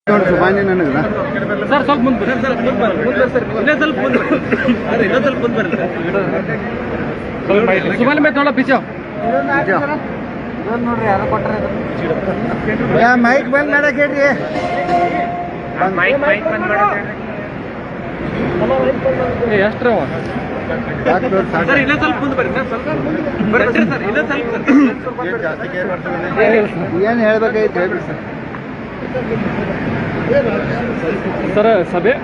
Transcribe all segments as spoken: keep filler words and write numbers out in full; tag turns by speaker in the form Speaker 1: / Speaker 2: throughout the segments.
Speaker 1: ಸುಬಾನಿ ನನಗೆ
Speaker 2: ಸರ್ ಸ್ವಲ್ಪ ಮುಂದೆ ಬರ್ರಿ ಸರ್ ಮುಂದೆ ಬರ್ರಿ ಮುಂದೆ ಸರ್ ಇನ್ನೇ ಸ್ವಲ್ಪ ಮುಂದೆ ಬರ್ರಿ ಅದೇ ಇನ್ನೊಂದು ಸ್ವಲ್ಪ ಮುಂದೆ ಬರ್ರಿ ಸುಬಾನಿ ಮೇಲೆ ನೋಡ ಪಿಚೋ
Speaker 1: ನೋಡ್ರಿ ಯಾರೋ ಕೊಟ್ಟರೆ ಮೈಕ್ ಬಂದ್ ಮಾಡಕ್ ಹೇಳ್ರಿ
Speaker 2: ಮೈಕ್ ಮೈಕ್ ಬಂದ್ ಮಾಡಕ್ಕೆ ಎಷ್ಟು ಅವ ಸರ್ ಇನ್ನೇ ಸ್ವಲ್ಪ ಮುಂದೆ ಬರ್ರಿ ಸರ್ ಸ್ವಲ್ಪ ಬರ್ರಿ ಸರ್ ಇನ್ನೇ ಸ್ವಲ್ಪ
Speaker 1: ಏನು ಹೇಳ್ಬೇಕಾಯ್ತು ಹೇಳ್ರಿ ಸರ್
Speaker 2: ಸರ್ ಸಭೆ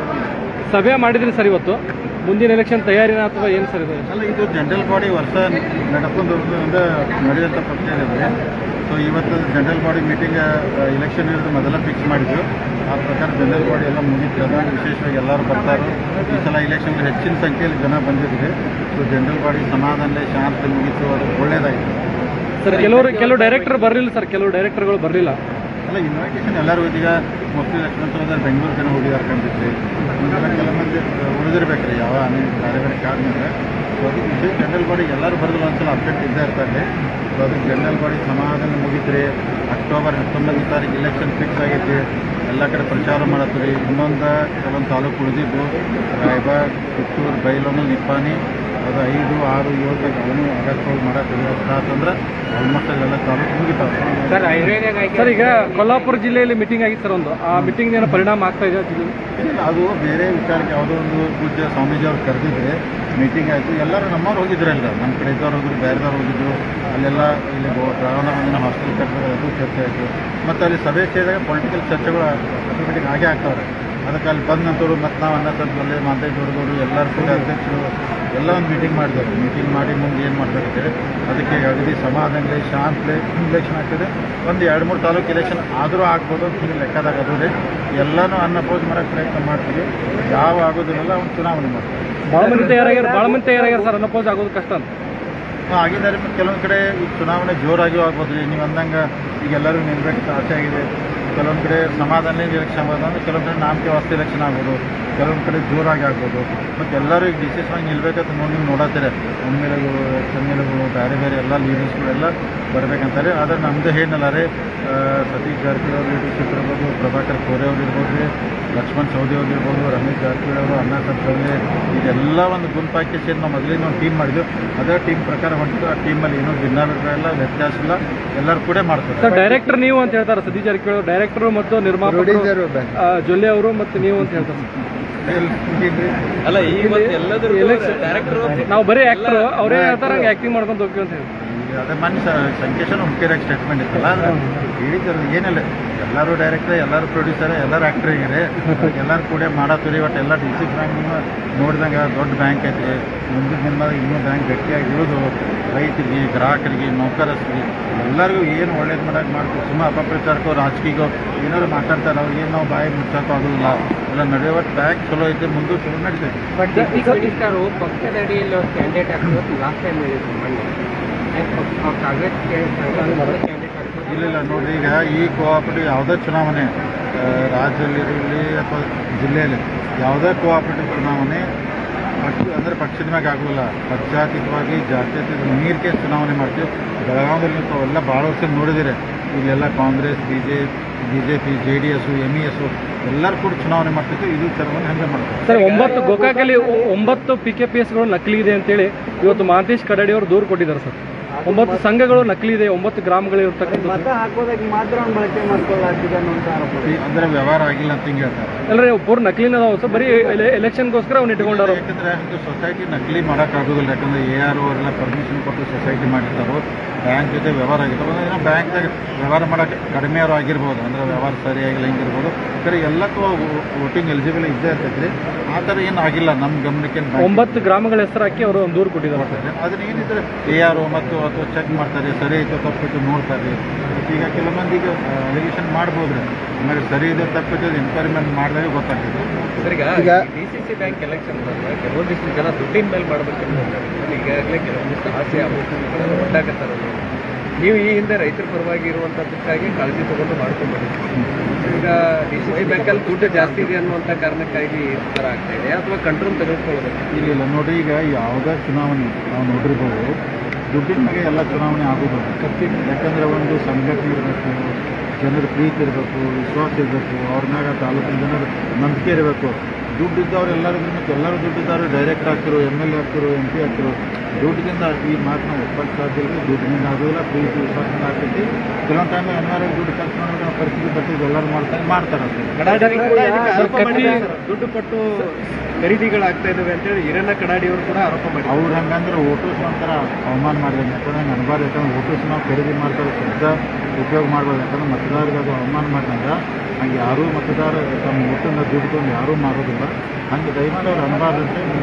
Speaker 2: ಸಭೆ ಮಾಡಿದ್ರಿ ಸರ್ ಇವತ್ತು ಮುಂದಿನ ಎಲೆಕ್ಷನ್ ತಯಾರಿನ ಅಥವಾ ಏನು ಸರ್ ಇದು
Speaker 3: ಅಲ್ಲ ಇದು ಜನರಲ್ ಬಾಡಿ ವರ್ಷ ನಡ್ಕೊಂಡು ನಡೆಯುವಂಥ ಪ್ರಶ್ನೆ ಇದೆ. ಸೊ ಇವತ್ತು ಜನರಲ್ ಬಾಡಿ ಮೀಟಿಂಗ್ ಇಲೆಕ್ಷನ್ ಇರೋದು ಮೊದಲ ಫಿಕ್ಸ್ ಮಾಡಿದ್ರು. ಆ ಪ್ರಕಾರ ಜನರಲ್ ಬಾಡಿ ಎಲ್ಲ ಮುಗಿತು. ಅದಾಗ ವಿಶೇಷವಾಗಿ ಎಲ್ಲರೂ ಬರ್ತಾರೆ. ಈ ಸಲ ಇಲೆಕ್ಷನ್ಗೆ ಹೆಚ್ಚಿನ ಸಂಖ್ಯೆಯಲ್ಲಿ ಜನ ಬಂದಿದ್ದಾರೆ. ಸೊ ಜನರಲ್ ಬಾಡಿ ಸಮಾಧಾನ ಶಾಂತಿ ಮುಗಿತು, ಅದು ಒಳ್ಳೇದಾಯಿತು
Speaker 2: ಸರ್. ಕೆಲವರು ಕೆಲವು ಡೈರೆಕ್ಟರ್ ಬರಲಿಲ್ಲ ಸರ್, ಕೆಲವು ಡೈರೆಕ್ಟರ್ಗಳು ಬರಲಿಲ್ಲ.
Speaker 3: ಅಲ್ಲ ಇನ್ವಿಟೇಷನ್ ಎಲ್ಲರೂ ಈಗ ಮೋಸ್ಟ್ಲಿ ಲಕ್ಷ್ಮಣ ಸಹೋದರ ಬೆಂಗಳೂರು ಜನ ಹೋಗಿದ್ದಾರೆ ಕಂಡಿದ್ರಿ. ಮುಂದೆಲ್ಲ ಕೆಲ ಮಂದಿ ಉಳಿದಿರ್ಬೇಕ್ರಿ ಯಾವ ಅನೇಕ ಬೇರೆ ಬೇರೆ ಕಾರಣದಿಂದ. ಸೊ ಅದಕ್ಕೆ ವಿಶೇಷ ಜನರಲ್ ಬಾಡಿ ಎಲ್ಲರೂ ಬರೆದಿಲ್ಲ ಒಂದ್ಸಲ ಅಪ್ಡೇಟ್ ಇದ್ದೇ ಇರ್ತಾರೆ. ಸೊ ಅದಕ್ಕೆ ಜನರಲ್ ಬಾಡಿ ಸಮಾಧಾನ ಮುಗಿತ್ರಿ. ಅಕ್ಟೋಬರ್ ಹತ್ತೊಂಬತ್ತನೇ ತಾರೀಕು ಇಲೆಕ್ಷನ್ ಫಿಕ್ಸ್ ಆಗೈತಿ. ಎಲ್ಲ ಕಡೆ ಪ್ರಚಾರ ಮಾಡತ್ತೀರಿ. ಇನ್ನೊಂದು ಕೆಲವೊಂದು ತಾಲೂಕು ಉಳಿದಿದ್ದು ರಾಯಬಾಗ್, ಪುತ್ತೂರು, ಬೈಲೊಂಗಲ್, ನಿಪ್ಪಾಣಿ, ಅದು ಐದು ಆರು ಏಳು ಅವನು ಆಗಸ್ಟ್ ಹೋಗಿ ಮಾಡಕ್ಕೆ ಅಂದ್ರೆ ಆಲ್ಮೋಸ್ಟ್ ಅಲ್ಲೆಲ್ಲ ತಾಲೂಕು ಮುಗಿತಾವೆ
Speaker 2: ಸರ್. ಸರ್ ಈಗ ಕೊಲ್ಲಾಪುರ ಜಿಲ್ಲೆಯಲ್ಲಿ ಮೀಟಿಂಗ್ ಆಗಿತ್ತು ಸರ್ ಒಂದು, ಆ ಮೀಟಿಂಗ್ ಏನೋ ಪರಿಣಾಮ ಆಗ್ತಾ ಇದೆ ಜಿಲ್ಲೆ?
Speaker 3: ಅದು ಬೇರೆ ವಿಚಾರಕ್ಕೆ ಯಾವುದೋ ಒಂದು ಪೂಜ್ಯ ಸ್ವಾಮೀಜಿ ಅವ್ರು ಕರೆದಿದ್ರೆ ಮೀಟಿಂಗ್ ಆಯಿತು. ಎಲ್ಲರೂ ನಮ್ಮವ್ರು ಹೋಗಿದ್ರಲ್ಲ, ನಮ್ಮ ಕಡೆ ಇದ್ದವ್ರು ಹೋಗಿದ್ರು, ಬೇರೆದವ್ರು ಹೋಗಿದ್ರು. ಅಲ್ಲೆಲ್ಲ ಇಲ್ಲಿ ಶ್ರಾವಣ ಮಂದಿನ ಹಾಸ್ಟೆಲ್ ಕಟ್ಟೋದು ಅದು ಚರ್ಚೆ ಆಯಿತು. ಮತ್ತು ಅಲ್ಲಿ ಸಭೆ ಸೇರಿದಾಗ ಪೊಲಿಟಿಕಲ್ ಚರ್ಚೆಗಳು ಆಟೋಮೆಟಿಕ್ ಆಗೇ ಆಗ್ತಾವ್ರೆ. ಅದಕ್ಕೆ ಅಲ್ಲಿ ಬಂದಂಥವ್ರು ಮತ್ತು ನಾವು ಅನ್ನ ಸಂತಲ್ಲಿ ಮಾತೇ ದೊಡ್ಡದವರು ಎಲ್ಲರೂ ಕೂಡ ಅಧ್ಯಕ್ಷರು ಎಲ್ಲ ಒಂದು ಮೀಟಿಂಗ್ ಮಾಡಿದ್ದಾರೆ. ಮೀಟಿಂಗ್ ಮಾಡಿ ಮುಂದೆ ಏನು ಮಾಡ್ಬೇಕಾಗ್ತದೆ ಅದಕ್ಕೆ ಅಗದಿ ಸಮಾಧಾನ ಶಾಂತಿ ಇಲೆಕ್ಷನ್ ಆಗ್ತದೆ. ಒಂದು ಎರಡು ಮೂರು ತಾಲೂಕು ಇಲೆಕ್ಷನ್ ಆದರೂ ಆಗ್ಬೋದು ಅಂತ ಹೇಳಿ ಲೆಕ್ಕದಾಗ ಅದು ರೀ. ಎಲ್ಲನೂ ಅನ್ನಪೋಸ್ ಮಾಡೋಕ್ಕೆ ಪ್ರಯತ್ನ ಮಾಡ್ತೀವಿ. ಯಾವ ಆಗೋದಿಲ್ಲ ಒಂದು ಚುನಾವಣೆ ಮಾಡ್ತೀವಿ.
Speaker 2: ಭಾಳ ಮಂದಿ ತಯಾರಾಗ್ಯಾರ ಭಾಳ ಮಂದಿ ತಯಾರಾಗ್ಯಾರ ಸರ್. ಅನ್ನಪೋಸ್ ಆಗೋದು ಕಷ್ಟ ಅಂತ
Speaker 3: ಆಗಿದ್ದಾರೆ. ಮತ್ತು ಕೆಲವೊಂದು ಕಡೆ ಈ ಚುನಾವಣೆ ಜೋರಾಗಿಯೂ ಆಗ್ಬೋದು ರೀ. ನೀವು ಅಂದಂಗೆ ಈಗ ಎಲ್ಲರೂ ನಿಲ್ಬೇಕಂತ ಆಸೆ ಆಗಿದೆ. ಕೆಲವೊಂದು ಕಡೆ ಸಮಾಧಾನ ಎಲೆಕ್ಷನ್ ಆಗ್ಬೋದು, ಅಂದರೆ ಕೆಲವೊಂದು ಕಡೆ ನಾಮಕೆ ವಾಸ್ತೆ ಎಲೆಕ್ಷನ್ ಆಗ್ಬೋದು, ಕೆಲವೊಂದು ಕಡೆ ಜೋರಾಗಿ ಆಗ್ಬೋದು. ಮತ್ತು ಎಲ್ಲರೂ ಈಗ ಡಿಸಿಷನ್ ಆಗಿ ನಿಲ್ಬೇಕಂತ ನೋಡಿ ನೀವು ನೋಡತ್ತೀರಿ. ಎಮ್ ಎಲ್ ಎಗಳು, ಎಮ್ ಎಲ್ ಎಗಳು, ಬೇರೆ ಬೇರೆ ಎಲ್ಲ ಲೀಡರ್ಸ್ಗಳೆಲ್ಲ ಬರಬೇಕಂತಾರೆ. ಆದರೆ ನಮ್ಮದು ಏನಲ್ಲ ರೀ, ಸತೀಶ್ ಜಾರಕಿಹೊಳಿ ಅವ್ರ ಲೀಡರ್ಶಿಪ್ ಇರ್ಬೋದು, ಪ್ರಭಾಕರ್ ಕೋರೆ ಅವ್ರು ಇರ್ಬೋದು ರೀ, ಲಕ್ಷ್ಮಣ್ ಸವದಿ ಅವ್ರು ಇರ್ಬೋದು, ರಮೇಶ್ ಜಾರಕಿಹೊಳಿ ಅವರು, ಅಣ್ಣ ಸಂತಲ್ಲಿ, ಇದೆಲ್ಲ ಒಂದು ಗುಂಪಾಕಿ ಸೇರಿ ನಾವು ಮೊದಲಿನ ಒಂದು ಟೀಮ್ ಮಾಡಿದ್ವಿ. ಅದೇ ಟೀಮ್ ಪ್ರಕಾರ ಹೊಂಟಿದ್ದು. ಆ ಟೀಮಲ್ಲಿ ಏನೂ ಭಿನ್ನಾಭಿಪ್ರಾಯ ಇಲ್ಲ, ವ್ಯತ್ಯಾಸ ಇಲ್ಲ, ಎಲ್ಲರೂ ಕೂಡ ಮಾಡ್ತಾರೆ
Speaker 2: ಸರ್. ಡೈರೆಕ್ಟರ್ ನೀವು ಅಂತ ಹೇಳ್ತಾರೆ ಸತೀಶ್ ಜಾರಕಿಹೊಳಿ ಡೈರೆಕ್ಟರ್ ಮತ್ತು ನಿರ್ಮಾಪಕರು ಜೊಲ್ಲೆ ಅವರು ಮತ್ತು ನೀವು ಅಂತ ಹೇಳ್ತಾರೆ.
Speaker 3: ಅಲ್ಲ ಈ
Speaker 2: ನಾವು ಬರೀ ಆಕ್ಟರ್, ಅವರೇ ಹೇಳ್ತಾರೆ ಹಂಗೆ ಆಕ್ಟಿಂಗ್ ಮಾಡ್ಕೊಂಡು ಹೋಗ್ತೀವಿ ಅಂತ ಹೇಳಿ.
Speaker 3: ಅದೇ ಮನೆ ಸಂಕೇಶನ ಮುಖ್ಯರಾಗಿ ಸ್ಟೇಟ್ಮೆಂಟ್ ಇತ್ತಲ್ಲ, ಹೇಳಿದ್ರು ಏನಿಲ್ಲ, ಎಲ್ಲರೂ ಡೈರೆಕ್ಟರ್, ಎಲ್ಲರೂ ಪ್ರೊಡ್ಯೂಸರ್, ಎಲ್ಲರೂ ಆ್ಯಕ್ಟ್ರ್ ಆಗಿರಿ, ಎಲ್ಲರೂ ಕೂಡ ಮಾಡತ್ತೀರಿ. ಒಟ್ಟು ಎಲ್ಲ ಡಿ ಸಿ ಬ್ಯಾಂಕ್ ನೋಡಿದಂಗೆ ದೊಡ್ಡ ಬ್ಯಾಂಕ್ ಐತ್ರಿ. ಮುಂದಿನ ದಿನದಾಗ ಇನ್ನೂ ಬ್ಯಾಂಕ್ ಗಟ್ಟಿಯಾಗಿ ಇರೋದು ರೈತರಿಗೆ, ಗ್ರಾಹಕರಿಗೆ, ನೌಕರರಿಗೆ ಎಲ್ಲರಿಗೂ ಏನು ಒಳ್ಳೇದು ಮಾಡೋಕೆ ಮಾಡ್ತೀವಿ. ಸುಮ್ಮ ಅಪಪ್ರಚಾರಕ್ಕೋ ರಾಜಕೀಯಗೋ ಏನಾದ್ರು ಮಾತಾಡ್ತಾರೆ. ಅವ್ರಿಗೇನು ನಾವು ಬಾಯಿ ಮುಚ್ಚೋಕ್ಕೂ ಆಗೋದಿಲ್ಲ. ಎಲ್ಲ ನಡೆಯುವ ಬ್ಯಾಂಕ್ ಚಲೋ ಐತೆ, ಮುಂದೆ ಚಲೋ ನಡೀತೈತೆ.
Speaker 4: ಬಟ್ ಡೆಪ್ಟಿ ಮಿನಿಸ್ಟರು ಪಕ್ಷದ ಅಡಿಯಲ್ಲಿ ಒಂದು ಕ್ಯಾಂಡಿಡೇಟ್ ಹಾಕೋದು ಲಾಸ್ಟ್ ಟೈಮ್ ಹೇಳಿದ್ರು ಮೊನ್ನೆ ಕಾಂಗ್ರೆಸ್
Speaker 3: ಇಲ್ಲ ಇಲ್ಲ ನೋಡಿರಿ, ಈಗ ಈ ಕೋಆಪರೇಟಿವ್ ಯಾವುದೇ ಚುನಾವಣೆ ರಾಜ್ಯದಲ್ಲಿರಲಿ ಅಥವಾ ಜಿಲ್ಲೆಯಲ್ಲಿ ಯಾವುದೇ ಕೋಆಪರೇಟಿವ್ ಚುನಾವಣೆ ಪಕ್ಷ ಅಂದರೆ ಪಕ್ಷದ ಮ್ಯಾಗ ಆಗೋಲ್ಲ. ಪಕ್ಷಾತೀತವಾಗಿ ಜಾತ್ಯತೀತ ನೀರಿಗೆ ಚುನಾವಣೆ ಮಾಡ್ತೀವಿ. ಬೆಳಗಾವದಲ್ಲಿ ತಾವೆಲ್ಲ ಭಾಳ ವರ್ಷ ನೋಡಿದಿರಿ. ಇಲ್ಲೆಲ್ಲ Congress, B J B J P, J D S, M E S ಎಲ್ಲರೂ ಕೂಡ ಚುನಾವಣೆ ಮಾಡ್ತಿತ್ತು. ಇದು ಚುನಾವಣೆ ಹಂಗೆ ಮಾಡ್ತಾರೆ
Speaker 2: ಸರ್. ಒಂಬತ್ತು ಗೋಕಾಕಲ್ಲಿ ಒಂಬತ್ತು ಪಿ ಕೆ ಪಿ ಎಸ್ಗಳು ನಕಲಿ ಇದೆ ಅಂತೇಳಿ ಇವತ್ತು ಮಹಾಂತೇಶ್ ಕಡಡಿ ಅವರು ದೂರು ಕೊಟ್ಟಿದ್ದಾರೆ ಸರ್. ಒಂಬತ್ತು ಸಂಘಗಳು ನಕಲಿ ಇದೆ, ಒಂಬತ್ತು ಗ್ರಾಮಗಳು ಇರ್ತಕ್ಕಂಥ
Speaker 1: ಹಾಕೋದಕ್ಕೆ ಮಾತ್ರ ಬಳಕೆ ಮಾಡ್ಕೊಳ್ಳಾಗ್ತಿದೆ ಅನ್ನೋಂಥ ಆರೋಪ.
Speaker 3: ಅಂದರೆ ವ್ಯವಹಾರ ಆಗಿಲ್ಲ ಅಂತ ಹಿಂಗೆ ಹೇಳ್ತಾರೆ.
Speaker 2: ಎಲ್ಲರೇ ಪೂರ್ ನಕಲಿನ ಅದಾವ ಸರ್. ಬರೀ ಎಲೆಕ್ಷನ್ಗೋಸ್ಕರ ಅವ್ನು ಇಟ್ಕೊಂಡಾರ.
Speaker 3: ಯಾಕಂದರೆ ಒಂದು ಸೊಸೈಟಿ ನಕಲಿ ಮಾಡೋಕ್ಕಾಗೋದಿಲ್ಲ. ಯಾಕಂದರೆ ಎ ಆರ್ ಅವರೆಲ್ಲ ಪರ್ಮಿಷನ್ ಕೊಟ್ಟು ಸೊಸೈಟಿ ಮಾಡಿರ್ತಾರೋ, ಬ್ಯಾಂಕ್ ಜೊತೆ ವ್ಯವಹಾರ ಆಗಿರ್ತಾವೆ. ಏನೋ ಬ್ಯಾಂಕ್ದಾಗ ವ್ಯವಹಾರ ಮಾಡೋಕ್ಕೆ ಕಡಿಮೆ ಅವರು ಆಗಿರ್ಬೋದು, ಅಂದರೆ ವ್ಯವಹಾರ ಸರಿಯಾಗಿಲ್ಲ ಹಿಂಗಿರ್ಬೋದು. ಸರಿ ಎಲ್ಲಕ್ಕೂ ವೋಟಿಂಗ್ ಎಲಿಜಿಬಲ್ ಇದ್ದೇ ಇರ್ತೈತೆ ರೀ. ಆ ಥರ ಏನು ಆಗಿಲ್ಲ ನಮ್ಮ ಗಮನಕ್ಕೆ.
Speaker 2: ಒಂಬತ್ತು ಗ್ರಾಮಗಳ ಹೆಸರು ಹಾಕಿ ಅವರು ಒಂದು ದೂರು ಕೊಟ್ಟಿದ್ದಾರೆ.
Speaker 3: ಅದನ್ನ ಏನಿದ್ರೆ ಎ ಆರ್ ಮತ್ತು ಅಥವಾ ಚೆಕ್ ಮಾಡ್ತಾರೆ, ಸರಿ ಐತೋ ತಪ್ಪಿತ್ತು ನೋಡ್ತಾರೆ. ಈಗ ಕೆಲವೊಂದು ಈಗ ಅಲಿಗೇಷನ್ ಮಾಡ್ಬೋದು ರೀ. ಆಮೇಲೆ ಸರಿ ಇದೆ ತಪ್ಪಿತ್ತು ಎನ್ಕ್ವೈರಿಮೆಂಟ್ ಮಾಡಿದಾಗ ಗೊತ್ತಾಗ್ತದೆ.
Speaker 4: ಸರ್, ಈಗ D C C bank election ಬಂದಾಗ ಕೆಲವೊಂದಿಷ್ಟು ಜನ ದುಡ್ಡಿನ ಮೇಲೆ ಮಾಡಬೇಕಂತ ಈಗಾಗಲೇ ಕೆಲವೊಂದಿಷ್ಟು ಆಸೆ ಆಗೋದು ಒಟ್ಟಾಗತ್ತಾರೆ. ನೀವು ಈ ಹಿಂದೆ ರೈತರ ಪರವಾಗಿ ಇರುವಂಥದ್ದಕ್ಕಾಗಿ ಕಾಳಜಿ ತಗೊಂಡು ಮಾಡ್ಕೊಂಡು ಈಗ ಡಿ ಸಿ ಸಿ ಬ್ಯಾಂಕಲ್ಲಿ ದುಡ್ಡು ಜಾಸ್ತಿ ಇದೆ ಅನ್ನುವಂಥ ಕಾರಣಕ್ಕಾಗಿ ಈ ಥರ ಆಗ್ತಾ ಇದೆ ಅಥವಾ ಕಂಟ್ರೋಲ್ ತೆಗೆದುಕೊಳ್ಳೋದು?
Speaker 3: ಇಲ್ಲ ಇಲ್ಲ ನೋಡಿರಿ, ಈಗ ಯಾವುದೇ ಚುನಾವಣೆ ನಾವು ನೋಡಿರ್ಬೋದು ದುಡ್ಡಿನ ಮೇಲೆ ಎಲ್ಲ ಚುನಾವಣೆ ಆಗೋದು. ಯಾಕಂದರೆ ಒಂದು ಸಂಘಟನೆ ಇರಬೇಕು, ಜನರ ಪ್ರೀತಿ ಇರಬೇಕು, ವಿಶ್ವಾಸ ಇರಬೇಕು, ಅವ್ರ ಮ್ಯಾಗ ತಾಲೂಕಿನ ಜನರ ನಂಬಿಕೆ ಇರಬೇಕು. ದುಡ್ಡು ಇದ್ದವ್ರು ಎಲ್ಲರೂ ಮತ್ತು ಎಲ್ಲರೂ ದುಡ್ಡಿದ್ದವರು ಡೈರೆಕ್ಟ್ ಆಗ್ತಿರೋ, ಎಮ್ ಎಲ್ ಎ ಆಗ್ತಿರೋ, ಎಂ ಪಿ ಆಗ್ತಿರೋ. ದುಡ್ಡಿನಿಂದ ಈ ಮಾತನ್ನ ಒಪ್ಪಕ್ಕೆ ಸಾಧ್ಯ ಇಲ್ಲ. ದುಡ್ಡಿನಿಂದ ಆಗೋದಿಲ್ಲ, ಪ್ರೀತಿ ವಿಶ್ವಾಸದಿಂದ ಆಗ್ತೈತಿ. ಕೆಲವೊಂದು ಟೈಮ್ ಅನಿವಾರ್ಯ ದುಡ್ಡು ಖರ್ಚು ಮಾಡೋದು ಪರಿಸ್ಥಿತಿ ಬರ್ತಿದ್ದು ಎಲ್ಲರೂ ಮಾಡ್ತಾರೆ ಮಾಡ್ತಾರೆ
Speaker 4: ದುಡ್ಡು ಕೊಟ್ಟು ಖರೀದಿಗಳಾಗ್ತಾ ಇದ್ದಾವೆ ಅಂತೇಳಿ ಹಿರಣ್ಣ ಕಡಾಡಿಯವರು ಕೂಡ ಆರೋಪ ಮಾಡಿ
Speaker 3: ಅವ್ರು ಹಂಗಂದ್ರೆ ವೋಟರ್ಸ್ ಒಂಥರ ಅವಮಾನ ಮಾಡಿದ್ರೆ. ಯಾಕಂದ್ರೆ ಅನ್ಬಾರ್ದು. ಯಾಕಂದ್ರೆ ವೋಟರ್ಸ್ ನಾವು ಖರೀದಿ ಮಾಡ್ತಾರೆ, ಶಬ್ದ ಉಪಯೋಗ ಮಾಡ್ಬೋದು. ಯಾಕಂದ್ರೆ ಮತದಾರರಿಗೆ ಅದು ಅವಮಾನ ಮಾಡಿದಂಗೆ ಹಂಗೆ ಯಾರೂ ಮತದಾರ ತಮ್ಮ ವೋಟನ್ನು ದುಡ್ಕೊಂಡು ಯಾರೂ ಮಾಡೋದಿಲ್ಲ. ಹಂಗೆ ದಯಮಾಡಿ ಅವ್ರು ಅನ್ಬಾರ್ದು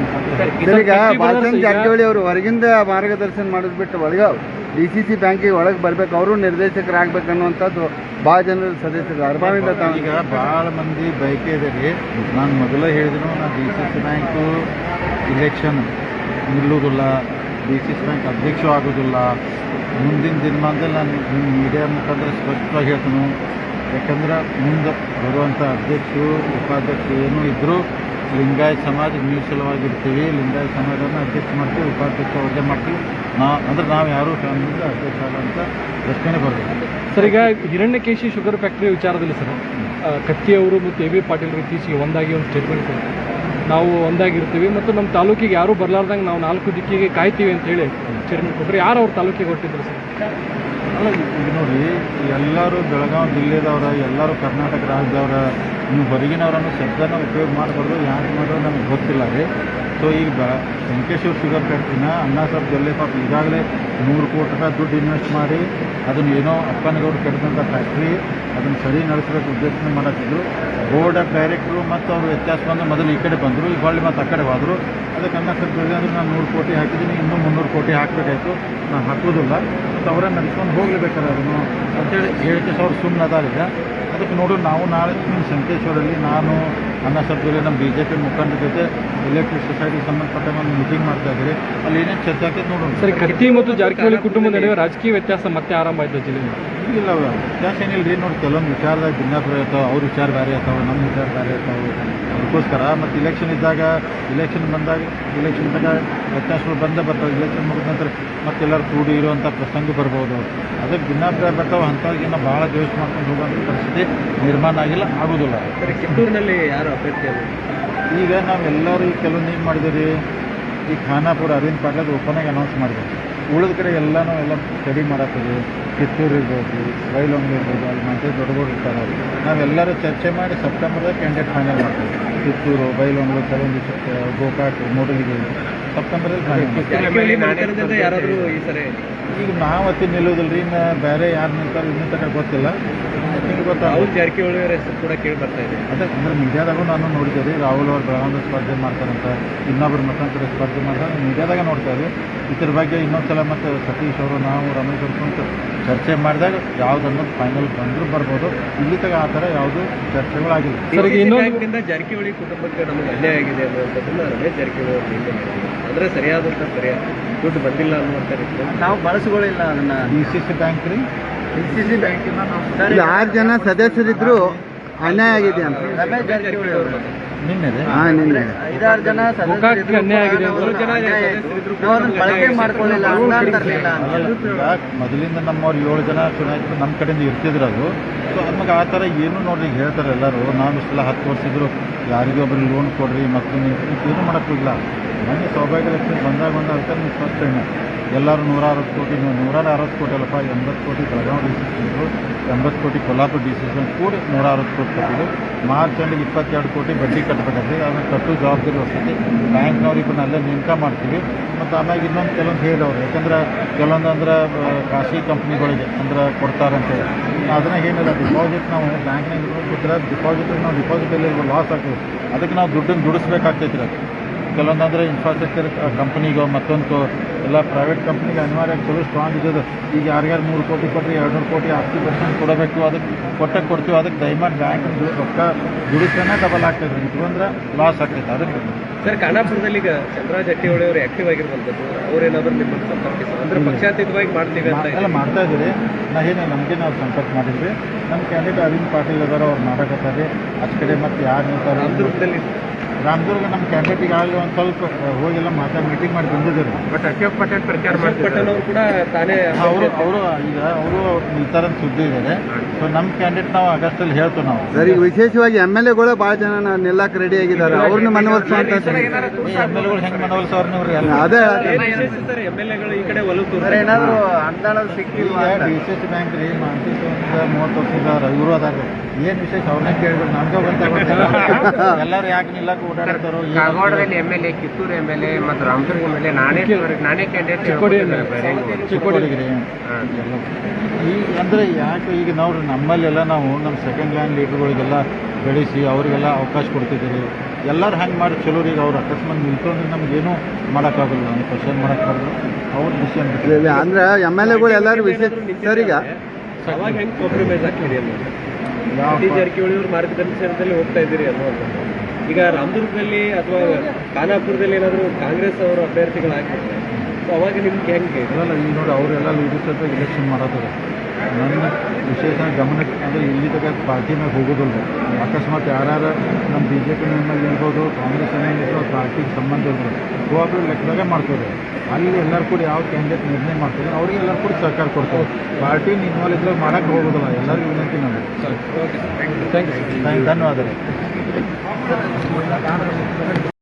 Speaker 3: ಅಂತ.
Speaker 1: ಈಗ ಬಾಲಚಂದ್ರ ಜಾರಕಿಹೊಳಿ ಅವರು ಹೊರಗಿಂದ ಮಾರ್ಗದರ್ಶನ ಮಾಡೋದು ಬಿಟ್ಟು ಒಳಗೆ ಡಿ ಸಿ ಸಿ ಬ್ಯಾಂಕಿಗೆ ಒಳಗೆ ಬರ್ಬೇಕು, ಅವರು ನಿರ್ದೇಶಕರಾಗಬೇಕು ಅನ್ನುವಂಥದ್ದು ಭಾಳ ಜನರ ಸದಸ್ಯರು ಅರ್ಬಾವಿಂದ.
Speaker 3: ಈಗ ಭಾಳ ಮಂದಿ ಬಯಕೆ ಇದೆ ರೀ. ನಾನು ಮೊದಲೇ ಹೇಳಿದ್ರು, ನಾನು D C C bank election ನಿಲ್ಲುವುದಿಲ್ಲ, ಡಿ ಸಿ ಸಿ ಬ್ಯಾಂಕ್ ಅಧ್ಯಕ್ಷ ಆಗೋದಿಲ್ಲ. ಮುಂದಿನ ದಿನಮಾನದಲ್ಲಿ ನಾನು ನಿಮ್ಮ ಮೀಡಿಯಾ ಮುಖಾಂತರ ಸ್ಪಷ್ಟವಾಗಿ ಹೇಳ್ತೀನಿ. ಯಾಕಂದ್ರೆ ಮುಂದೆ ಬರುವಂಥ ಅಧ್ಯಕ್ಷರು ಉಪಾಧ್ಯಕ್ಷರು ಏನೂ ಇದ್ದರೂ ಲಿಂಗಾಯತ ಸಮಾಜ ಮೀಸಲವಾಗಿರ್ತೀವಿ. ಲಿಂಗಾಯತ ಸಮಾಜವನ್ನು ಅಧ್ಯಕ್ಷ ಮಾಡ್ತೀವಿ, ಉಪಾಧ್ಯಕ್ಷ ಅವ್ರಿಗೆ ಮಾಡ್ತೀವಿ. ನಾ ಅಂದ್ರೆ ನಾವು ಯಾರೂ ಫ್ಯಾಮಿಲಿಯಿಂದ ಅಧ್ಯಕ್ಷ ಆಗೋಂಥ ಪ್ರಶ್ನೆ ಬರೋದು.
Speaker 2: ಸರ್, ಈಗ ಹಿರಣ್ಯಕೇಶಿ ಶುಗರ್ ಫ್ಯಾಕ್ಟ್ರಿ ವಿಚಾರದಲ್ಲಿ ಸರ್, ಕತ್ತಿ ಅವರು ಮತ್ತು ಎ ಬಿ ಪಾಟೀಲ್ ಇತ್ತೀಚೆಗೆ ಒಂದಾಗಿ ಒಂದು ಸ್ಟೇಟ್ಮೆಂಟ್ ಕೊಡ್ತಾರೆ. ನಾವು ಒಂದಾಗಿರ್ತೀವಿ ಮತ್ತು ನಮ್ಮ ತಾಲೂಕಿಗೆ ಯಾರೂ ಬರಲಾರ್ದಂಗೆ ನಾವು ನಾಲ್ಕು ದಿಕ್ಕಿಗೆ ಕಾಯ್ತೀವಿ ಅಂತೇಳಿ ಸ್ಟೇಟ್ಮೆಂಟ್ ಕೊಟ್ಟರೆ ಯಾರು ಅವ್ರ ತಾಲೂಕಿಗೆ ಹೊರಟಿದ್ರು ಸರ್?
Speaker 3: ಅಲ್ಲ, ಈಗ ನೋಡಿ, ಎಲ್ಲರೂ ಬೆಳಗಾವಿ ಜಿಲ್ಲೆದವ್ರ, ಎಲ್ಲರೂ ಕರ್ನಾಟಕ ರಾಜ್ಯದವ್ರ. ನೀವು ಹೊರಗಿನವರನ್ನು ಶಬ್ದನ ಉಪಯೋಗ ಮಾಡಬಾರ್ದು. ಯಾಕೆ ಮಾಡೋದು ನಮಗೆ ಗೊತ್ತಿಲ್ಲ ರೀ. ಸೊ ಈಗ ಬ ವೆಂಕಟೇಶ್ವರ ಶುಗರ್ ಫ್ಯಾಕ್ಟ್ರಿನ ಅಣ್ಣಾ ಸಾಹೇಬ್ ಜೊಲ್ಲೆ ಪಾಪ ಈಗಾಗಲೇ ನೂರು ಕೋಟಿ ರೂಪಾಯಿ ದುಡ್ಡು ಇನ್ವೆಸ್ಟ್ ಮಾಡಿ ಅದನ್ನು ಏನೋ ಅಪ್ಪನಗೌಡರು ಕೆಡದಂಥ ಫ್ಯಾಕ್ಟ್ರಿ ಅದನ್ನು ಸರಿ ನಡೆಸಬೇಕು ಉದ್ದೇಶನೆ ಮಾಡತ್ತಿದ್ರು. ಬೋರ್ಡ್ ಆಫ್ ಡೈರೆಕ್ಟ್ರು ಮತ್ತು ಅವರು ವ್ಯತ್ಯಾಸ ಬಂದು ಮೊದಲು ಈ ಕಡೆ ಬಂದರು, ಈಗ ಹೊಳ್ಳಿ ಮತ್ತು ಆ ಕಡೆ ಹೋದರು. ಅದಕ್ಕೆ ಅಣ್ಣಾ ಸಾಹೇಬ್ ಜೊಲ್ಲೆ ಅಂದರೆ ನಾನು ನೂರು ಕೋಟಿ ಹಾಕಿದ್ದೀನಿ, ಇನ್ನೂ ಮುನ್ನೂರು ಕೋಟಿ ಹಾಕಬೇಕಾಯ್ತು, ನಾನು ಹಾಕೋದಿಲ್ಲ ಮತ್ತು ಅವರೇ ನಡೆಸ್ಕೊಂಡು ಹೋಗ್ಲೇಬೇಕಾದ್ರೆ ಅದನ್ನು ಅಂತೇಳಿ ಹೇಳಿಕೆ ಸಾವಿರ ಸುಮ್ಮನೆ ಅದಾಗಿದೆ. ಅದಕ್ಕೆ ನೋಡು, ನಾವು ನಾಳೆ ಸಂಕೇಶ್ವರಲ್ಲಿ ನಾನು ಅಣ್ಣಾ ಸಾಹೇಬ್ ಜೊಲ್ಲೆ ನಮ್ಮ ಬಿ ಜೆ ಪಿ ಮುಖಂಡರ ಜೊತೆ ಎಲೆಕ್ಟ್ರಿಕ್ ಸೊಸೈಟಿಗೆ ಸಂಬಂಧಪಟ್ಟ ಒಂದು ಮೀಟಿಂಗ್ ಮಾಡ್ತಾ ಇದ್ದೀರಿ. ಅಲ್ಲಿ ಏನೇನು ಚರ್ಚೆ ಆಗ್ತೈತೆ ನೋಡೋಣ.
Speaker 2: ಸರ್, ಕತ್ತಿ ಮತ್ತು ಜಾರಕಿಹೊಳಿ ಕುಟುಂಬದ ನಡುವೆ ರಾಜಕೀಯ ವ್ಯತ್ಯಾಸ ಮತ್ತೆ ಆರಂಭ ಆಯ್ತು ಜಿಲ್ಲೆಯಲ್ಲಿ?
Speaker 3: ಇಲ್ಲ, ವ್ಯತ್ಯಾಸ ಏನಿಲ್ಲ ರೀ. ನೋಡಿ, ಕೆಲವೊಂದು ವಿಚಾರದಾಗ ಭಿನ್ನಾಭಿಪ್ರಾಯ ಇರ್ತಾವೆ, ಅವ್ರ ವಿಚಾರ ಬೇರೆ ಇರ್ತಾವೆ, ನಮ್ಮ ವಿಚಾರ ಬೇರೆ ಇರ್ತಾವೆ. ಅದಕ್ಕೋಸ್ಕರ ಮತ್ತು ಇಲೆಕ್ಷನ್ ಇದ್ದಾಗ ಇಲೆಕ್ಷನ್ ಬಂದಾಗ ಇಲೆಕ್ಷನ್ದಾಗ ವ್ಯತ್ಯಾಸಗಳು ಬಂದೇ ಬರ್ತಾವೆ. ಇಲೆಕ್ಷನ್ ಮುಗಿದ ನಂತರ ಮತ್ತೆಲ್ಲರೂ ಕೂಡಿ ಇರುವಂಥ ಪ್ರಸಂಗ ಬರ್ಬೋದು. ಅದಕ್ಕೆ ಭಿನ್ನಾಭಿಪ್ರಾಯ ಬರ್ತಾವೆ. ಅಂಥವ್ರಿಗಿನ್ನ ಭಾಳ ದ್ವೇಷ ಮಾಡ್ಕೊಂಡು ಹೋಗುವಂಥ ಪರಿಸ್ಥಿತಿ ನಿರ್ಮಾಣ ಆಗಿಲ್ಲ, ಆಗೋದಿಲ್ಲ.
Speaker 4: ಸರ್, ಕಿತ್ತೂರಿನಲ್ಲಿ ಯಾರು ಅಭ್ಯರ್ಥಿ ಅಲ್ಲ?
Speaker 3: ಈಗ ನಾವೆಲ್ಲರೂ ಈಗ ಕೆಲವೊಂದು ಏನು ಮಾಡಿದ್ದೀವಿ, ಈ ಖಾನಾಪುರ ಅರವಿಂದ್ ಪಾಟೀಲ್ ಓಪನಾಗಿ ಅನೌನ್ಸ್ ಮಾಡಿದ್ದೀವಿ. ಉಳಿದ ಕಡೆ ಎಲ್ಲನೂ ಎಲ್ಲ ಸ್ಟಡಿ ಮಾಡತ್ತೀವಿ. ಕಿತ್ತೂರು ಇರ್ಬೋದು, ಬೈಲೊಂಗ್ಲಿ ಇರ್ಬೋದು, ಅಲ್ಲಿ ಮತ್ತೆ ದೊಡ್ಡಗೌಡ ಇರ್ತಾರೆ. ನಾವೆಲ್ಲರೂ ಚರ್ಚೆ ಮಾಡಿ ಸೆಪ್ಟೆಂಬರ್ದಾಗ ಕ್ಯಾಂಡಿಡೇಟ್ ಫೈನಲ್ ಮಾಡ್ತೀವಿ. ಕಿತ್ತೂರು, ಬೈಲೊಂಗ್ಲಿ, ಕೆಲವೊಂದು ಗೋಕಾಕ್, ಮೂಡಲಿಗೆ ಸೆಪ್ಟೆಂಬರಲ್ಲಿ ಫೈನಲ್.
Speaker 4: ಯಾರಾದರೂ ಈ ಸರಿ
Speaker 3: ಈಗ ನಾವು ಅತಿ ನಿಲ್ಲೋದಿಲ್ಲ ರೀ. ಇನ್ನು ಬೇರೆ ಯಾರು ನಿಲ್ತಾರೆ ಇನ್ನೂ ತನಕ ಗೊತ್ತಿಲ್ಲ. ಗೊತ್ತಾ,
Speaker 4: ರಾಹುಲ್ ಜಾರಕಿಹೊಳಿ ಅವರ ಹೆಸರು ಕೂಡ ಕೇಳಿ ಬರ್ತಾ ಇದೆ.
Speaker 3: ಅದೇ ಅಂದ್ರೆ ಮೀಡಿಯಾದಾಗೂ ನಾನು ನೋಡಿದ್ದೆ ರೀ. ರಾಹುಲ್ ಅವ್ರು ಬೆಳಗಾವಿ ಸ್ಪರ್ಧೆ ಮಾಡ್ತಾರಂತ, ಇನ್ನೊಬ್ಬರು ಮತ್ತೊಂದು ಕಡೆ ಸ್ಪರ್ಧೆ ಮಾಡ್ತಾರೆ, ಮೀಡಿಯಾದಾಗ ನೋಡ್ತಾ ಇದ್ವಿ. ಇದ್ರ ಬಗ್ಗೆ ಇನ್ನೊಂದು ಸಲ ಮತ್ತು ಸತೀಶ್ ಅವರು ನಾವು ರಮೇಶ್ ಅವ್ರು ಚರ್ಚೆ ಮಾಡಿದಾಗ ಯಾವ್ದು ಅನ್ನೋದು ಫೈನಲ್ ಬಂದರೂ ಬರ್ಬೋದು. ಇಲ್ಲಿ ತಗ ಆ ಥರ ಯಾವುದು ಚರ್ಚೆಗಳಾಗಿಲ್ಲ.
Speaker 4: ಬ್ಯಾಂಕ್ನಿಂದ ಜಾರಕಿಹೊಳಿ ಕುಟುಂಬಕ್ಕೆ ನಮಗೆ ಅನ್ಯಾಯ ಆಗಿದೆ ಅನ್ನುವಂಥದ್ದನ್ನು ರಮೇಶ್ ಜಾರಕಿಹೊಳಿ ಅವರು ನಿನ್ನೆ ಹೇಳಿದರು. ಅಂದರೆ ಸರಿಯಾದಂಥ ಪರಿಹಾರ ದುಡ್ಡು ಬಂದಿಲ್ಲ ಅನ್ನುವಂಥ ರೀತಿ
Speaker 1: ನಾವು ಬಳಸ್ಕೊಳ್ಳಿಲ್ಲ ಅದನ್ನು.
Speaker 3: ಡಿ ಸಿ ಸಿ ಬ್ಯಾಂಕ್ ರೀ,
Speaker 1: ಡಿ ಸಿ ಸಿ ಬ್ಯಾಂಕಿನ ನಾವು ಆರು ಜನ ಸದಸ್ಯರಿದ್ರು ಅನ್ಯಾಯ ಆಗಿದೆ ಅಂತ ರಮೇಶ್ ಜಾರಕಿಹೊಳಿ ಅವರು
Speaker 3: ನಿನ್ನೆ ರೀ
Speaker 1: ಹಾಂ ನಿನ್ನೆ ಐದಾರು ಜನ ಸದಸ್ಯರಿದ್ರು
Speaker 2: ಅನ್ಯಾಯ ಆಗಿದೆ.
Speaker 1: ಬಳಕೆ ಮಾಡ್ಕೊಳ್ಳಿಲ್ಲ, ಅನುದಾನ ತರಲಿಲ್ಲ.
Speaker 3: ಮೊದಲಿಂದ ನಮ್ಮವ್ರು ಏಳು ಜನ ಚುನಾಯಿತರು ನಮ್ಮ ಕಡೆಯಿಂದ ಇರ್ತಿದ್ರು. ಅದು ಸೊ ನಮಗೆ ಆ ಥರ ಏನು ನೋಡ್ರಿ ಹೇಳ್ತಾರೆ ಎಲ್ಲರೂ. ನಾವು ಇಷ್ಟೆಲ್ಲ ಹತ್ತು ವರ್ಷ ಇದ್ರು ಯಾರಿಗೂ ಒಬ್ಬರಿಗೆ ಲೋನ್ ಕೊಡ್ರಿ ಮತ್ತೊಂದು ಏನು ಮಾಡೋಕ್ಕಿಲ್ಲ. ಮೊನ್ನೆ ಸೌಭಾಗ್ಯ ಲಕ್ಷ್ಮಿ ಬಂದಾಗ ಒಂದು ಅದಕ್ಕೆ ನೀವು ಫಸ್ಟ್ ಟೈಮ್ ಎಲ್ಲರೂ ನೂರ ಅರವತ್ತು ಕೋಟಿ ನೂರ ಅರವತ್ತು ಕೋಟಿ ಅಲ್ಲಪ್ಪ, ಎಂಬತ್ತು ಕೋಟಿ ಬೆಳಗಾವಿ ಡಿ ಸಿ ಸಿ ಎಂಬತ್ತು ಕೋಟಿ ಕೊಲ್ಲಾಪುರ ಡಿ ಸಿ ಸಿ ಕೂಡಿ ನೂರ ಅರವತ್ತು ಕೋಟಿ ಕೊಟ್ಟಿದ್ದು. ಮಾರ್ಚ್ ಎಂಡಿಗೆ ಇಪ್ಪತ್ತೆರಡು ಕೋಟಿ ಬಡ್ಡಿ ಕಟ್ಟಬೇಕಾದ್ರೆ ಅದನ್ನು ಕಟ್ಟು ಜವಾಬ್ದಾರಿ ವಸತಿ ಬ್ಯಾಂಕ್ನವ್ರಿಗೆ ಅಲ್ಲೇ ನೇಮಕ ಮಾಡ್ತೀವಿ. ಮತ್ತು ಆಮ್ಯಾಗ ಇನ್ನೊಂದು ಕೆಲವೊಂದು ಹೇಳಿದವ್ರು, ಯಾಕಂದ್ರೆ ಕೆಲವೊಂದು ಅಂದ್ರೆ ಖಾಸಗಿ ಕಂಪ್ನಿಗಳಿಗೆ ಅಂದ್ರೆ ಕೊಡ್ತಾರಂತೇಳಿ ಅದನ್ನ ಏನಿಲ್ಲ, ಡಿಪಾಸಿಟ್ ನಾವು ಬ್ಯಾಂಕ್ನಾಗ ಇಟ್ರೆ ಡಿಪಾಸಿಟ್ ನಾವು ಡಿಪಾಸಿಟಲ್ಲಿ ಲಾಸ್ ಆಗ್ತದೆ. ಅದಕ್ಕೆ ನಾವು ದುಡ್ಡನ್ನು ದುಡಿಸ್ಬೇಕಾಗ್ತೈತಿ. ಅದು ಕೆಲವೊಂದು ಅಂದರೆ ಇನ್ಫ್ರಾಸ್ಟ್ರಕ್ಚರ್ ಕಂಪ್ನಿಗೋ ಮತ್ತೊಂದು ಎಲ್ಲ ಪ್ರೈವೇಟ್ ಕಂಪ್ನಿಗೆ ಅನಿವಾರ್ಯ ಚಲೋ ಸ್ಟ್ರಾಂಗ್ ಇದ್ದದು. ಈಗ ಯಾರ್ಯಾರು ಮೂರು ಕೋಟಿ ಕೊಟ್ಟರೆ ಎರಡು ನೂರು ಕೋಟಿ ಹತ್ತು ಪರ್ಸೆಂಟ್ ಕೊಡಬೇಕು, ಅದಕ್ಕೆ ಕೊಟ್ಟಕ್ಕೆ ಕೊಡ್ತೀವಿ. ಅದಕ್ಕೆ ದಯಮಾಡಿ ಬ್ಯಾಂಕ್ ರೊಕ್ಕ ದುಡಿಸ್ತಾನೆ ಡಬಲ್ ಆಗ್ತೈತೆ, ಇಟ್ಕೊಂಡ್ರೆ ಲಾಸ್ ಆಗ್ತೈತೆ. ಅದಕ್ಕೆ
Speaker 4: ಸರ್, ಖಾನಾಪುರದಲ್ಲಿ ಈಗ ಚಂದ್ರರಾಜ್ ಜಾರಕಿಹೊಳಿ ಅವರು ಆಕ್ಟಿವ್ ಆಗಿರುವಂಥದ್ದು, ಅವರೇನಾದರೂ ನಿಮ್ಮನ್ನು ಸಂಪರ್ಕಿಸ ಅಂದರೆ ಪಕ್ಷಾತೀತವಾಗಿ ಮಾಡ್ತೀವಿ ಅಂತ
Speaker 3: ಎಲ್ಲ ಮಾಡ್ತಾ ಇದ್ದೀರಿ. ನಾ ಏನು ನಮಗೆ ನಾವು ಸಂಪರ್ಕ ಮಾಡಿದ್ವಿ. ನಮ್ಮ ಕ್ಯಾಂಡಿಡೇಟ್ ಅರವಿಂದ್ ಪಾಟೀಲ್ ಅದಾರ, ಅವ್ರು ಮಾಡಕತ್ತಾರೆ. ಆಚ ಕಡೆ ಮತ್ತು ಯಾರು ನಿಲ್ತಾರೆ
Speaker 4: ದುರ್ಗದಲ್ಲಿ
Speaker 3: ರಾಮದುರ್ಗ ನಮ್ಮ ಕ್ಯಾಂಡಿಡೇಟ್ ಈಗಾಗಲೇ ಒಂದು ಸ್ವಲ್ಪ ಹೋಗೆಲ್ಲ ಮಾತಾಡಿ ಮೀಟಿಂಗ್ ಮಾಡಿ ಬಂದಿದ್ದಾರೆ.
Speaker 4: ಬಟ್ ಅಶೋಕ್ ಪಟೇಲ್ ಪ್ರಚಾರ ಪಟೇಲ್ ಅವರು ಕೂಡ ತಾನೇ
Speaker 3: ಅವರು ಅವರು ಈಗ ಅವರು ನಿಲ್ತಾರ ಸುದ್ದಿ ಇದ್ದಾರೆ. ಸೊ ನಮ್ಮ ಕ್ಯಾಂಡಿಡೇಟ್ ನಾವು ಆಗಸ್ಟಲ್ಲಿ ಹೇಳ್ತೀವಿ ನಾವು.
Speaker 1: ಸರ್, ಈಗ ವಿಶೇಷವಾಗಿ ಎಮ್ ಎಲ್ ಎಗಳು ಭಾಳ ಜನ ನಿಲ್ಲಕ್ಕೆ ರೆಡಿ ಆಗಿದ್ದಾರೆ, ಅವ್ರನ್ನ ಮನವೊಲಿಸುವಂತ
Speaker 3: ಎಮ್ ಎಲ್ ಎಗಳು ಹೆಂಗೆ ಮನವೊಲಿಸೋರು ನೀವು ಎಲ್ಲ
Speaker 1: ಅದೇ
Speaker 4: ಎಮ್ ಎಲ್ ಎಗಳು ಈ ಕಡೆ ಒಲವು
Speaker 1: ಏನಾದ್ರು ಅನುದಾನ ಸಿಕ್ಕಿಲ್ಲ.
Speaker 3: ಡಿ ಸಿ ಸಿ ಬ್ಯಾಂಕ್ ರೀ ಮಾನಸಿಕ ಮೂವತ್ತು ವರ್ಷದ ಇವರು ಅದಾರ. ಏನು ವಿಶೇಷ ಅವ್ರನ್ನೇ ಕೇಳಿದ್ರು ನಮ್ಗೆ ಗೊತ್ತಾಗುತ್ತೆ. ಎಲ್ಲರೂ ಯಾಕೆ ನಿಲ್ಲಕ್ಕೆ ಓಡಾಡ್ತಾರೋ.
Speaker 4: ಕಾಗವಾಡದಲ್ಲಿ M L A, Kittur M L A ಮತ್ತು ರಾಮದುರ್ಗ ಎಮ್ ಎಲ್ ಎ ನಾನೇ ನಾನೇ ಕ್ಯಾಂಡಿಡೇಟ್
Speaker 2: ಚಿಕ್ಕೋಡಿ
Speaker 3: ಚಿಕ್ಕೋಡಿಗೆ ರೀ ಈಗ ಅಂದರೆ ಯಾಕೆ ಈಗ ನಾವು ನಮ್ಮಲ್ಲೆಲ್ಲ ನಾವು ನಮ್ಮ ಸೆಕೆಂಡ್ ಲ್ಯಾಂಡ್ ಲೀಡರ್ಗಳಿಗೆಲ್ಲ ಬೆಳೆಸಿ ಅವರಿಗೆಲ್ಲ ಅವಕಾಶ ಕೊಡ್ತಿದ್ದೀರಿ. ಎಲ್ಲರೂ ಹಂಗೆ ಮಾಡಿ ಚಲೋ ಈಗ ಅವ್ರು ಅಕಸ್ಮಾತ್ ನಿಲ್ತಂದ್ರೆ ನಮಗೇನು ಮಾಡೋಕ್ಕಾಗಲ್ಲ, ನಮ್ಗೆ ಕ್ವಶನ್ ಮಾಡೋಕ್ಕಾಗಲ್ಲ. ಅವ್ರ ಡಿಸಿಷನ್
Speaker 1: ಅಂದ್ರೆ ಎಮ್ ಎಲ್ ಎಗಳು ಎಲ್ಲರೂ ವಿಶೇಷ ಸರ್. ಈಗ
Speaker 4: ಅವಾಗ ಹೆಂಗೆ ಕಾಂಪ್ರಮೈಸ್ ಆಗ್ತೀರಿ ಅನ್ನೋದು ಸತೀಶ್ ಜಾರಕಿಹೊಳಿ ಅವ್ರ ಮಾರ್ಗದರ್ಶನದಲ್ಲಿ ಹೋಗ್ತಾ ಇದ್ದೀರಿ ಅನ್ನುವಂಥದ್ದು. ಈಗ ರಾಮದುರ್ಗದಲ್ಲಿ ಅಥವಾ ಖಾನಾಪುರದಲ್ಲಿ ಏನಾದರೂ ಕಾಂಗ್ರೆಸ್ ಅವರು ಅಭ್ಯರ್ಥಿಗಳಾಗಿರ್ತಾರೆ, ಸೊ ಅವಾಗ ನಿಮ್ಗೆ ಹೆಂಗೆ
Speaker 3: ಇದಲ್ಲ ಈಗ ನೋಡಿ ಅವರೆಲ್ಲ ಲೀಡರ್ಸ್ ಹತ್ರ ಇಲೆಕ್ಷನ್ ಮಾಡೋದಾರೆ. ನನ್ನ ವಿಶೇಷ ಗಮನ ಅಂದರೆ ಇಲ್ಲಿ ತಗ ಪಾರ್ಟಿ ಮ್ಯಾಗ ಹೋಗೋದಿಲ್ಲ. ಅಕಸ್ಮಾತ್ ಯಾರು ನಮ್ಮ ಬಿ ಜೆ ಪಿ ಮೇಲೆ ಇರ್ಬೋದು, ಕಾಂಗ್ರೆಸ್ ಏನಿರ್ಬೋದು, ಪಾರ್ಟಿಗೆ ಸಂಬಂಧ ಇರ್ಬೋದು, ಒಬ್ಬರು ಲೆಕ್ಕದಾಗೆ ಮಾಡ್ತಾರೆ. ಅಲ್ಲಿ ಎಲ್ಲರೂ ಕೂಡ ಯಾವ ಕ್ಯಾಂಡಿಡೇಟ್ ನಿರ್ಣಯ ಮಾಡ್ತಾರೆ ಅವ್ರಿಗೆ ಎಲ್ಲರೂ ಕೂಡ ಸಹಕಾರ ಕೊಡ್ತಾರೆ. ಪಾರ್ಟಿ ಇನ್ವಾಲ್ವ್ ಇದ್ರಾಗ ಮಾಡೋಕ್ಕೆ ಹೋಗೋದಿಲ್ಲ. ಎಲ್ಲರಿಗೂ ವಿನಂತಿ ನಾನು.
Speaker 2: Thank you.
Speaker 3: ಧನ್ಯವಾದ.